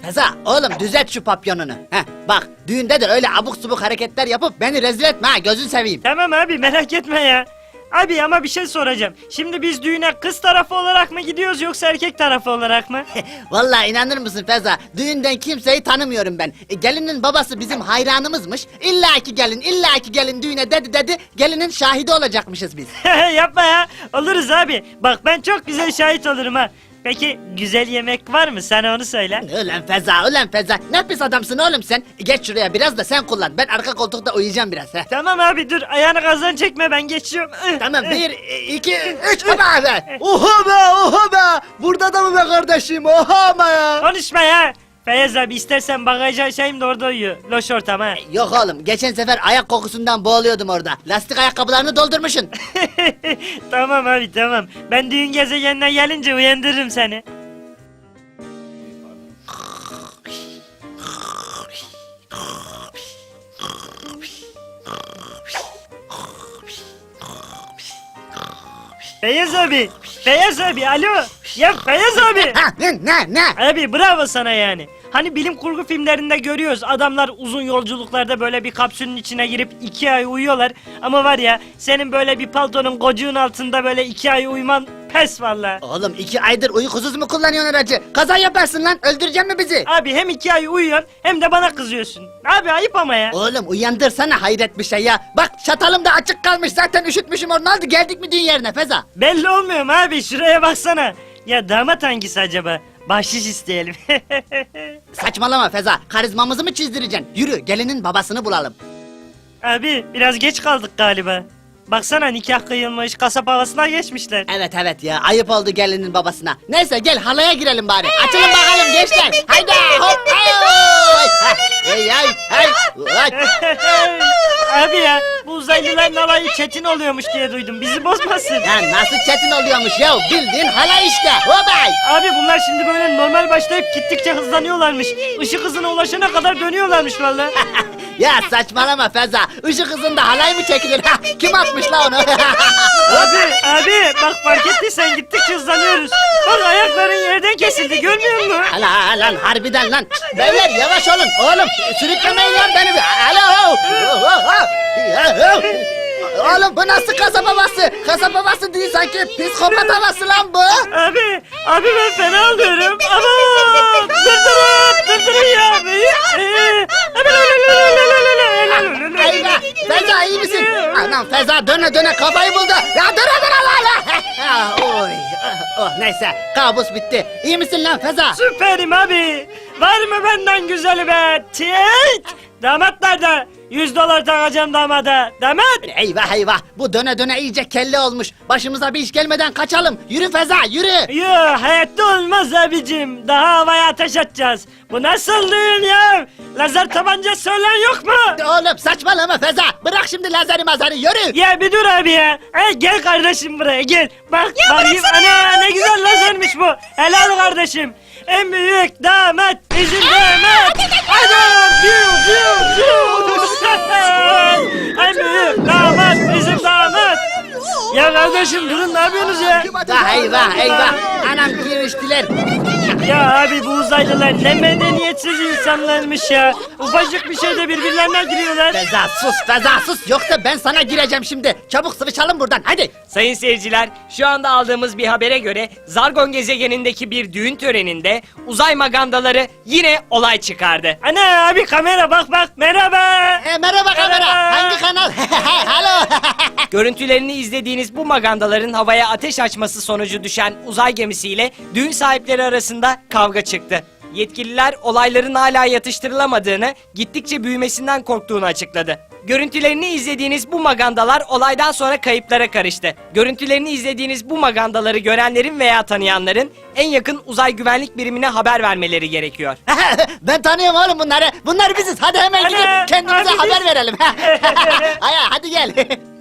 Feza oğlum düzelt şu papyonunu. Heh, bak düğünde de öyle abuk subuk hareketler yapıp beni rezil etme ha, gözün seveyim. Tamam abi, merak etme ya. Abi ama bir şey soracağım. Şimdi biz düğüne kız tarafı olarak mı gidiyoruz yoksa erkek tarafı olarak mı? Vallahi inanır mısın Feza, düğünden kimseyi tanımıyorum ben. Gelinin babası bizim hayranımızmış. İlla ki gelin düğüne dedi, gelinin şahidi olacakmışız biz. Yapma ya. Oluruz abi. Bak ben çok güzel şahit olurum ha. Peki güzel yemek var mı? Sana onu söyle. Ulan Feza, ne pis adamsın oğlum sen. Geç şuraya biraz da sen kullan, ben arka koltukta uyuyacağım biraz. Heh. Tamam abi dur, ayağını gazdan çekme, ben geçiyorum. Tamam 1, 2, 3 abi. Oha be! Burada da mı be kardeşim? Oha ama ya! Konuşma ya. Feyyaz abi istersen bagaja açayım da orada uyu. Loş ortam ha. Yok oğlum, geçen sefer ayak kokusundan boğuluyordum orada. Lastik ayakkabılarını doldurmuşsun. Tamam abi tamam. Ben düğün gezegenine gelince uyandırırım seni. Feyyaz abi. Feyyaz abi alo. Ya Feyyaz abi. Ha, ne? Abi bravo sana yani. Hani bilim kurgu filmlerinde görüyoruz, adamlar uzun yolculuklarda böyle bir kapsülün içine girip 2 ay uyuyorlar. Ama var ya, senin böyle bir paltonun kocuğun altında böyle 2 ay uyuman pes valla. Oğlum 2 aydır uykusuz mu kullanıyorsun aracı? Kaza yaparsın lan, öldüreceksin mi bizi? Abi hem 2 ay uyuyorsun hem de bana kızıyorsun. Abi ayıp ama ya. Oğlum uyandırsana, hayret bir şey ya. Bak çatalım da açık kalmış, zaten üşütmüşüm onu, aldı geldik mi düğün yerine Feza? Belli olmuyor mu abi, şuraya baksana. Ya damat hangisi acaba? Bahşiş isteyelim. Saçmalama Feza, karizmamızı mı çizdireceksin? Yürü, gelinin babasını bulalım. Abi biraz geç kaldık galiba. Baksana nikah kıyılmış, kasap havasına geçmişler. Evet ya, ayıp oldu gelinin babasına. Neyse gel halaya girelim bari. Açılın bakalım gençler. Haydi hop. Hey. Abi ya, bu uzaylıların alayı çetin oluyormuş diye duydum. Bizi bozmasın. Ya nasıl çetin oluyormuş ya, bildiğin halay işte. Hopay. Abi bunlar şimdi böyle normal başlayıp gittikçe hızlanıyorlarmış. Işık hızına ulaşana kadar dönüyorlarmış vallahi. Ya saçmalama Feza, ışık hızında halay mı çekilir? Kim atmış la onu? Abi bak fark ettiysen gittikçe hızlanıyoruz. Bak ayakların yerden kesildi, görmüyor musun? Lan harbiden lan. Beyler yavaş olun oğlum, sürüklemeyin lan beni. Alo. Oğlum bu nasıl kasaba havası? Kasaba havası değil sanki, psikopat havası lan bu. Abi ben fena alıyorum. Ama durdurun ya abi. Eyvah, Feza iyi misin? Anam Feza döne kafayı buldu. Ya dur la. Oy. Neyse, kabus bitti. İyi misin lan Feza? Süperim abi. Var mı benden güzeli be? Damat nerede? $100 takacağım damada. Damat. Eyvah, bu döne iyice kelle olmuş. Başımıza bir iş gelmeden kaçalım. Yürü Feza, yürü. Yo, hayatta olmaz abicim. Daha havaya ateş atacağız. Bu nasıl düğün ya? Lazer tabanca söylen yok mu? Oğlum saçmalama Feza. Bırak şimdi lazeri mazeri, yürü. Ya bir dur abi ya. Gel kardeşim buraya gel. Bak bakayım, ana ne güzel lazermiş bu. Helal kardeşim. En büyük damat bizim damat. Adam en büyük damat bizim damat. Ya kardeşim durun, ne yapıyorsunuz ya? Eyvah. Anam giriştiler. Ya abi bu uzaylılar ne medeniyetsiz insanlarmış ya. Ufacık bir şeyde birbirlerine giriyorlar. Feza sus. Yoksa ben sana gireceğim şimdi. Çabuk sıvışalım buradan, hadi. Sayın seyirciler, şu anda aldığımız bir habere göre Zargon gezegenindeki bir düğün töreninde uzay magandaları yine olay çıkardı. Ana abi kamera bak merhaba. Merhaba kamera. Hangi kanal? Alo. Görüntülerini izlediğiniz bu magandaların havaya ateş açması sonucu düşen uzay gemisiyle düğün sahipleri arasında kavga çıktı. Yetkililer olayların hala yatıştırılamadığını, gittikçe büyümesinden korktuğunu açıkladı. Görüntülerini izlediğiniz bu magandalar olaydan sonra kayıplara karıştı. Görüntülerini izlediğiniz bu magandaları görenlerin veya tanıyanların en yakın uzay güvenlik birimine haber vermeleri gerekiyor. Ben tanıyorum oğlum bunları. Bunlar biziz. Hadi hemen gidip kendimize haber verelim. Hadi gel.